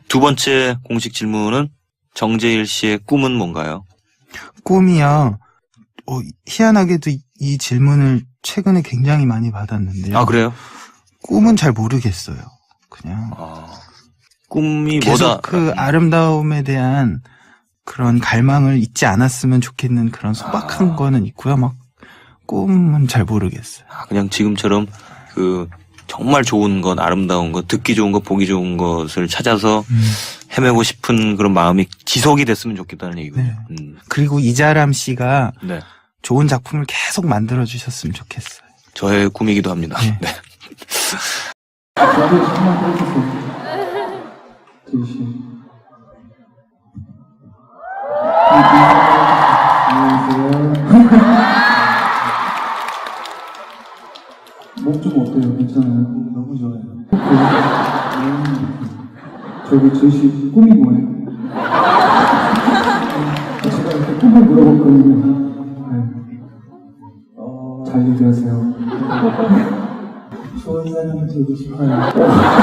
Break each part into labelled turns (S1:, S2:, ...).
S1: 두 번째 공식 질문은 정재일 씨의 꿈은 뭔가요?
S2: 꿈이요. 희한하게도 이 질문을 최근에 굉장히 많이 받았는데요.
S1: 아, 그래요?
S2: 꿈은 잘 모르겠어요. 그냥
S1: 꿈이
S2: 계속
S1: 뭐다?
S2: 그 아름다움에 대한 그런 갈망을 잊지 않았으면 좋겠는 그런 소박한 거는 있고요. 막 꿈은 잘 모르겠어요.
S1: 그냥 지금처럼 그 정말 좋은 것, 아름다운 것, 듣기 좋은 것, 보기 좋은 것을 찾아서 헤매고 싶은 그런 마음이 지속이 됐으면 좋겠다는 얘기군요.
S2: 네. 그리고 이자람 씨가
S1: 네.
S2: 좋은 작품을 계속 만들어 주셨으면 좋겠어요.
S1: 저의 꿈이기도 합니다.
S2: 네.
S1: 네.
S3: 저도 한번 해주세요. 제이씨. 안녕하세요. 목 좀 어때요? 괜찮아요? 너무 좋아요. 저기 제이씨 꿈이 뭐예요? 제가 이렇게 꿈을 물어봤거든요. 잘 얘기하세요. 좋은 사람이 되고 싶어요.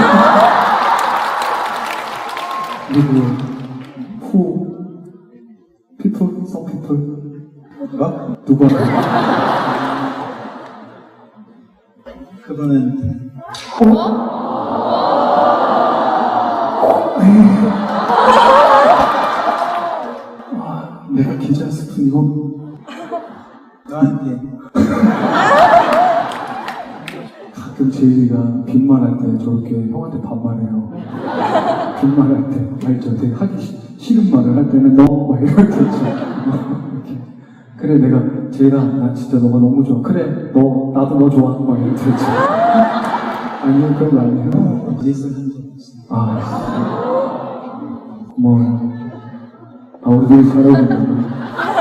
S3: 그리고 people, some people. 누가? 그거는 내가 기자 스푼 이거 나한테 가끔 제이가 빈말할 때 저렇게 형한테 반말해요. 빈말할 때 알죠? 되게 하기 싫은 말을 할 때는 너 막 이럴 때 있죠. 이렇게. 그래 내가 제이가 나 진짜 너가 너무 좋아. 그래 너 나도 너 좋아. 막 이럴 때 있죠. 아니요 그런 거 아니에요. 예술 한적 없어요. 고마워요. 우리 되게 잘하고 있는